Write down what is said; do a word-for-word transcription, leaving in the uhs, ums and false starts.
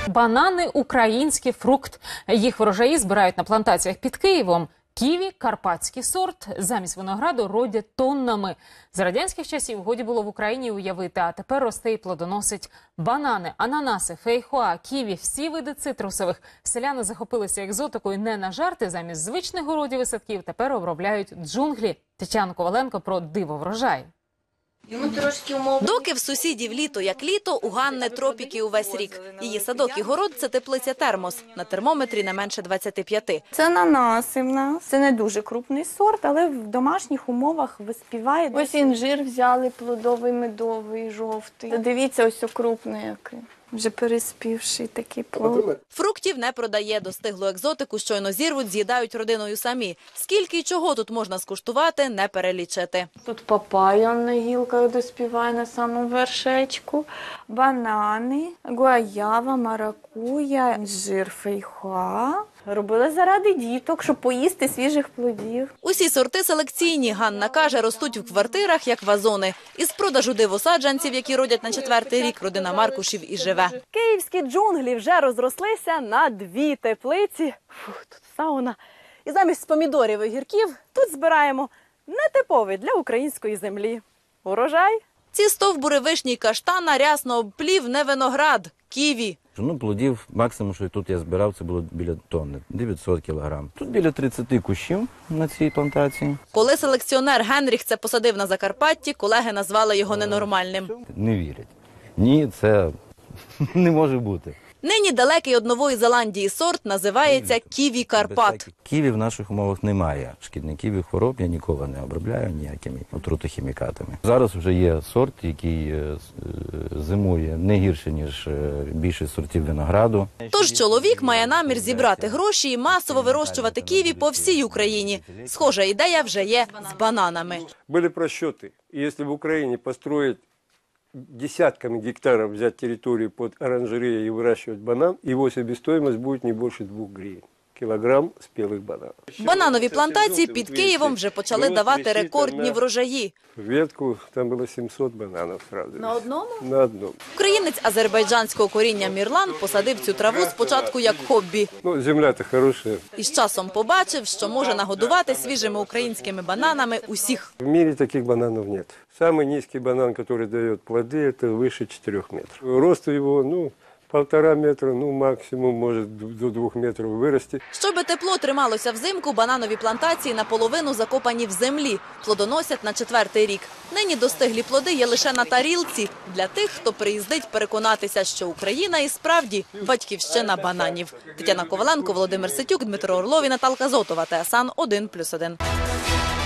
Банани – український фрукт. Їх врожаї збирають на плантаціях під Києвом. Ківі – карпатський сорт. Замість винограду родять тоннами. За радянських часів годі було в Україні уявити, а тепер росте і плодоносить банани, ананаси, фейхоа, ківі – всі види цитрусових. Селяни захопилися екзотикою не на жарти. Замість звичних городів і садків тепер обробляють джунглі. Тетяна Коваленко про диво врожай. Доки в сусідів літо як літо, у Ганни тропіки увесь рік. Її садок і город – це теплиця термос. На термометрі не менше двадцяти п'яти. Це ананаси в нас. Це не дуже крупний сорт, але в домашніх умовах виспіває. Ось інжир взяли плодовий, медовий, жовтий. Дивіться, ось крупний який. Вже переспівший такий плод. Фруктів не продає. Достиглу екзотику щойно зірвуть, з'їдають родиною самі. Скільки і чого тут можна скуштувати, не перелічити. Тут папайя на гілках доспіває на самому вершечку, банани, гуаява, маракуя, інжир, фейхоа. Робили заради діток, щоб поїсти свіжих плодів. Усі сорти селекційні, Ганна каже, ростуть в квартирах, як вазони. Із продажу дивосаджанців, які родять на четвертий рік, родина Маркушів і живе. Київські джунглі вже розрослися на дві теплиці. Фух, тут сауна. І замість помідорів і огірків тут збираємо нетиповий для української землі урожай. Ці стовбури вишні й каштана рясно обплів не виноград, ківі. Ну, плодів максимум, що тут я збирав, це було біля тонни, дев'ятсот кілограм. Тут біля тридцяти кущів на цій плантації. Коли селекціонер Генріх це посадив на Закарпатті, колеги назвали його ненормальним. Не вірять. Ні, це не може бути. Нині далекий від Нової Зеландії сорт називається ківі Карпат. Ківі в наших умовах немає. Шкідників і хвороб я ніколи не обробляю ніякими отрутохімікатами. Зараз вже є сорт, який зимує не гірше, ніж більшість сортів винограду. Тож чоловік має намір зібрати гроші і масово вирощувати ківі по всій Україні. Схожа ідея вже є з бананами. Були просчети. Якщо в Україні построїти десятками гектаров взять территорию под оранжереей и выращивать банан, его себестоимость будет не больше двух гривен. Кілограм спілих бананів. Бананові плантації під Києвом вже почали давати рекордні врожаї. Ветку там було сімсот бананів одразу. На одному? На одному. Українець азербайджанського коріння Мірлан посадив цю траву спочатку як хобі. Ну, земля-то хороша. І з часом побачив, що може нагодувати свіжими українськими бананами усіх. В мире таких бананов нет. Самый низкий банан, который дает плоды, это выше четырех метров. Рост его, ну, полтора метра, ну, максимум может до двух метров вырасти. Щоби тепло трималося взимку, бананові плантації наполовину закопані в землі. Плодоносять на четвертий рік. Нині достиглі плоди є лише на тарілці для тих, хто приїздить переконатися, що Україна і справді батьківщина бананів. Тетяна Коваленко, Володимир Ситюк, Дмитро Орлов і Наталка Зотова. ТСН один плюс один.